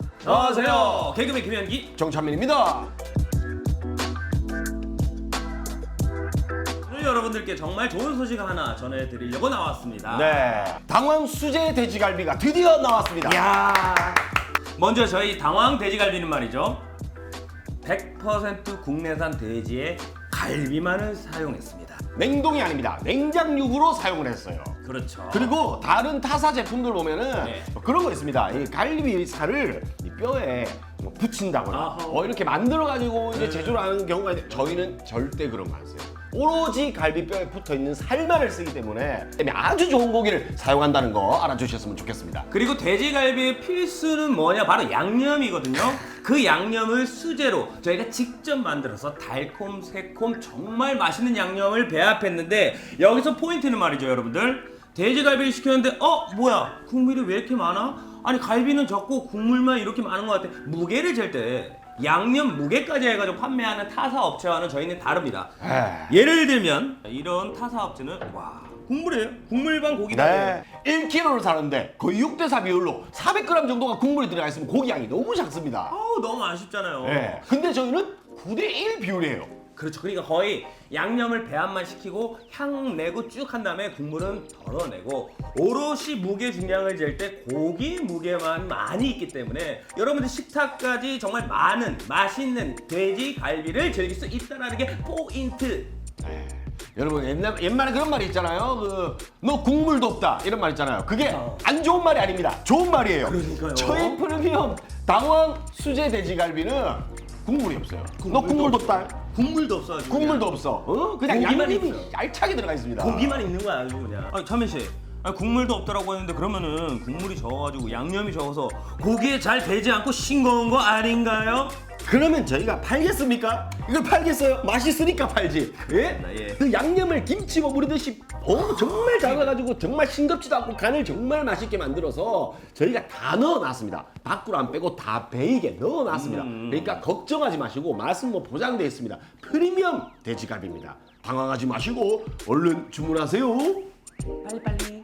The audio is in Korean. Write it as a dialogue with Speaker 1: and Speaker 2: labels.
Speaker 1: 안녕하세요. 개그맨 김현기.
Speaker 2: 정찬민입니다.
Speaker 1: 오늘 여러분들께 정말 좋은 소식 하나 전해드리려고 나왔습니다.
Speaker 2: 네, 당황 수제 돼지갈비가 드디어 나왔습니다.
Speaker 1: 이야. 먼저 저희 당황 돼지갈비는 말이죠. 100% 국내산 돼지의 갈비만을 사용했습니다.
Speaker 2: 냉동이 아닙니다. 냉장육으로 사용을 했어요.
Speaker 1: 그렇죠.
Speaker 2: 그리고 다른 타사 제품들 보면은
Speaker 1: 네.
Speaker 2: 그런 거 있습니다. 이 갈비살을 이 뼈에 뭐 붙인다거나
Speaker 1: 아하.
Speaker 2: 이렇게 만들어 가지고 이제
Speaker 1: 네.
Speaker 2: 제조를 하는 경우가 있는데 저희는 절대 그런 거 안 써요. 오로지 갈비뼈에 붙어 있는 살만을 쓰기 때문에 아주 좋은 고기를 사용한다는 거 알아주셨으면 좋겠습니다.
Speaker 1: 그리고 돼지갈비의 필수는 뭐냐? 바로 양념이거든요. 그 양념을 수제로 저희가 직접 만들어서 달콤, 새콤 정말 맛있는 양념을 배합했는데 여기서 포인트는 말이죠, 여러분들. 돼지갈비를 시켰는데 뭐야? 국물이 왜 이렇게 많아? 아니 갈비는 적고 국물만 이렇게 많은 것 같아. 무게를 잴 때 양념 무게까지 해가지고 판매하는 타사 업체와는 저희는 다릅니다. 예를 들면 이런 타사 업체는 와 국물이에요. 국물반 고기다.
Speaker 2: 네. 1kg를 사는데 거의 6대4 비율로 400g 정도가 국물이 들어가 있으면 고기 양이 너무 작습니다.
Speaker 1: 아우 너무 아쉽잖아요.
Speaker 2: 네. 근데 저희는 9대1 비율이에요.
Speaker 1: 그렇죠. 그러니까 거의 양념을 배합만 시키고 향 내고 쭉 한 다음에 국물은 덜어내고 오롯이 무게 중량을 잴 때 고기 무게만 많이 있기 때문에 여러분들 식탁까지 정말 많은 맛있는 돼지 갈비를 즐길 수 있다는 게 포인트.
Speaker 2: 여러분 옛말에 그런 말이 있잖아요. 너 국물도 없다 이런 말 있잖아요. 그게
Speaker 1: 그렇죠.
Speaker 2: 안 좋은 말이 아닙니다. 좋은 말이에요.
Speaker 1: 그러니까요.
Speaker 2: 저희 프리미엄 당황 수제 돼지갈비는 국물이 없어요. 너 국물도 없다.
Speaker 1: 국물도 없어. 아주
Speaker 2: 국물도 없어. 그냥
Speaker 1: 고기만
Speaker 2: 양념이
Speaker 1: 있어요.
Speaker 2: 알차게 들어가 있습니다.
Speaker 1: 고기만 있는 거야 아주 그냥. 아니 찬민 씨. 아니, 국물도 없다라고 했는데 그러면은 국물이 적어가지고 양념이 적어서 고기에 잘 배지 않고 싱거운 거 아닌가요?
Speaker 2: 그러면 저희가 팔겠습니까? 이걸 팔겠어요? 맛있으니까 팔지. 예?
Speaker 1: 예.
Speaker 2: 그 양념을 김치 버무리듯이 정말 작아가지고 정말 싱겁지도 않고 간을 정말 맛있게 만들어서 저희가 다 넣어놨습니다. 밖으로 안 빼고 다 베이게 넣어놨습니다. 그러니까 걱정하지 마시고 맛은 뭐 보장되어 있습니다. 프리미엄 돼지갈비입니다. 당황하지 마시고 얼른 주문하세요.
Speaker 1: 빨리빨리.